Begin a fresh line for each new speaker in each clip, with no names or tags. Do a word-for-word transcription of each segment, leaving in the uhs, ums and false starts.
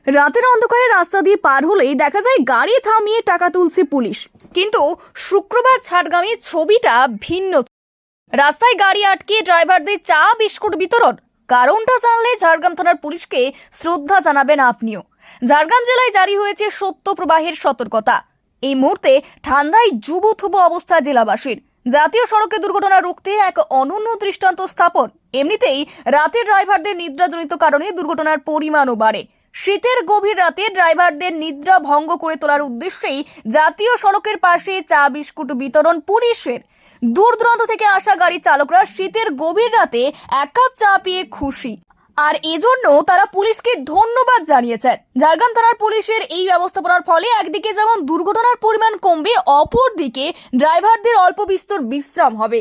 রাতের অন্ধকারে রাস্তা দিয়ে পার হলেই দেখা যায় গাড়ি থামিয়ে টাকা তুলছে পুলিশ। কিন্তু শুক্রবার ঝাড়গ্রামে ছবিটা ভিন্ন। রাস্তায় গাড়ি আটকে ড্রাইভারদের চা বিস্কুট বিতরণ। কারণটা জানলে ঝাড়গ্রাম থানার পুলিশকে শ্রদ্ধা জানাবেন আপনিও। ঝাড়গ্রাম জেলায় জারি হয়েছে সত্য প্রবাহের সতর্কতা। এই মুহূর্তে ঠান্ডায় যুবথুবু অবস্থা জেলাবাসীর। জাতীয় সড়কে দুর্ঘটনা রুখতে এক অনন্য দৃষ্টান্ত স্থাপন। এমনিতেই রাতে ড্রাইভারদের নিদ্রাজনিত কারণে দুর্ঘটনার পরিমাণও বাড়ে। শীতের গভীর রাতে ড্রাইভারদের নিদ্রা ভঙ্গ করে তোলার উদ্দেশ্যেই জাতীয় সড়কের পাশে চা বিস্কুট বিতরণ পুলিশের। দূর দূরান্ত থেকে আসা গাড়ি চালকরা শীতের গভীর রাতে এক কাপ চা পেয়ে খুশি, আর এজন্য তারা পুলিশকে ধন্যবাদ জানিয়েছেন। ঝাড়গ্রাম থানার পুলিশের এই ব্যবস্থাপনার ফলে একদিকে যেমন দুর্ঘটনার পরিমাণ কমবে, অপরদিকে ড্রাইভারদের অল্প বিস্তর বিশ্রাম হবে।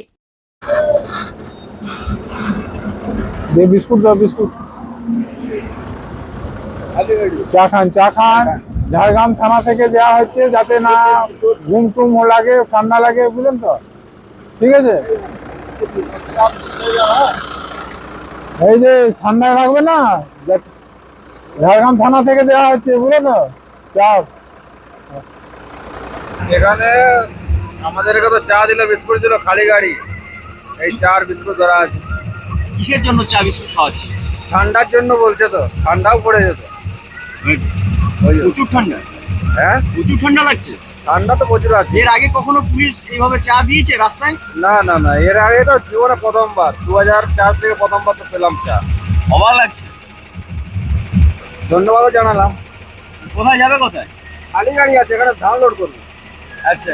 বিস্কুট দাও, বিস্কুট চা খান, চা খান। ঝাড়গ্রাম থানা থেকে দেওয়া হচ্ছে যাতে না ঘুম টুম লাগে, ঠান্ডা লাগে, বুঝলেন তো? ঠিক আছে, এই যে ঠান্ডা লাগবে না, ঝাড়গ্রাম থানা থেকে দেওয়া হচ্ছে, বুঝলে তো? চা
এখানে আমাদের তো চা দিল, বিস্কুট দিল, খালি গাড়ি এই চা আর বিস্কুট ধরা আছে।
কিসের জন্য চা বিস্কুট খাওয়াচ্ছে?
ঠান্ডার জন্য বলছে, তো ঠান্ডাও পড়ে যেত।
প্রচুর ঠান্ডা।
হ্যাঁ,
প্রচুর ঠান্ডা লাগছে।
ঠান্ডা তো প্রচুর আছে।
এর আগে কখনো পুলিশ এইভাবে চা দিয়েছে রাস্তায়?
না না না, এর আগে তো জীবনে প্রথমবার, দু হাজার চার থেকে প্রথমবার তো পেলাম চা।
অবাক লাগছে।
ধন্যবাদও জানালাম।
কোথায় যাবে? কোথায়?
খালি গাড়ি আছে, এখানে ডাউনলোড করবো।
আচ্ছা,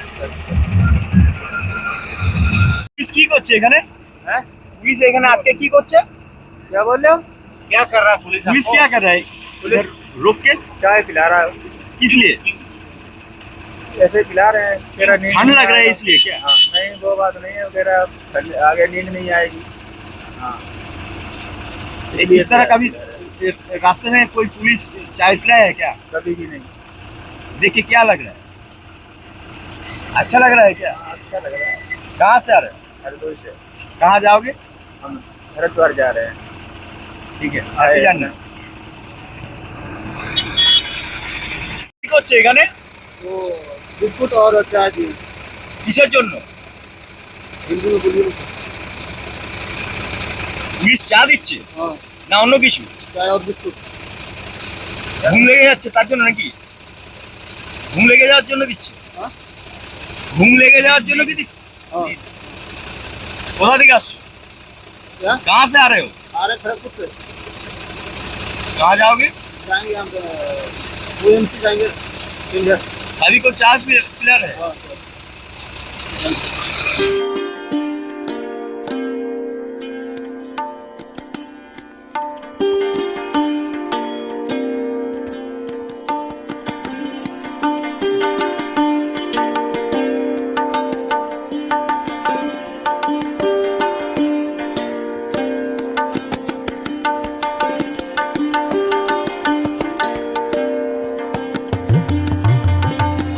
পুলিশ কি করছে এখানে?
হ্যাঁ,
পুলিশ এখানে আজকে কি করছে?
क्या बोल रहे हो? क्या कर रहा है पुलिस?
पुलिस क्या कर रहा है?
पुलिस
रोक के
चाय पिला रहा है,
किस लिए?
ऐसे ही पिला रहे हैं। तेरा नींद
ठंड
नहीं
लग रहा है
आएगा।
इसलिए क्या?
हाँ, नहीं वो बात नहीं है, तेरा आगे नींद नहीं आएगी। हाँ,
इस तरह कभी रास्ते में कोई पुलिस चाय पिलाया है क्या?
कभी भी नहीं।
देख के क्या लग रहा है? अच्छा लग रहा है क्या?
अच्छा लग रहा है।
कहाँ से आ रहे हो?
हरदोई से
कहाँ जाओगे?
हम हरिद्वार जा रहे हैं।
ঠিক আছে, আপনি জানেন কি করছে এখানে?
तो बिस्कुट और चाय दी।
কিসের জন্য?
बिल्कुल बिल्कुल।
পুলিশ চা দিচ্ছে
हाँ,
না অন্য কিছু?
चाय और बिस्कुट।
ঘুম লেগে যাচ্ছে তার জন্য নাকি? ঘুম লেগে যাওয়ার জন্য দিচ্ছে?
হ্যাঁ।
ঘুম লেগে যাওয়ার জন্য কি দিচ্ছে?
हाँ,
কোথা থেকে আসছো?
क्या?
कहाँ से आ रहे हो?
आ रहे खड़गपुर से।
कहाँ जाओगे?
जाएंगे हम ओ एम सी जाएंगे इंडिया।
सभी को चाय पिला रहे हैं?
हाँ,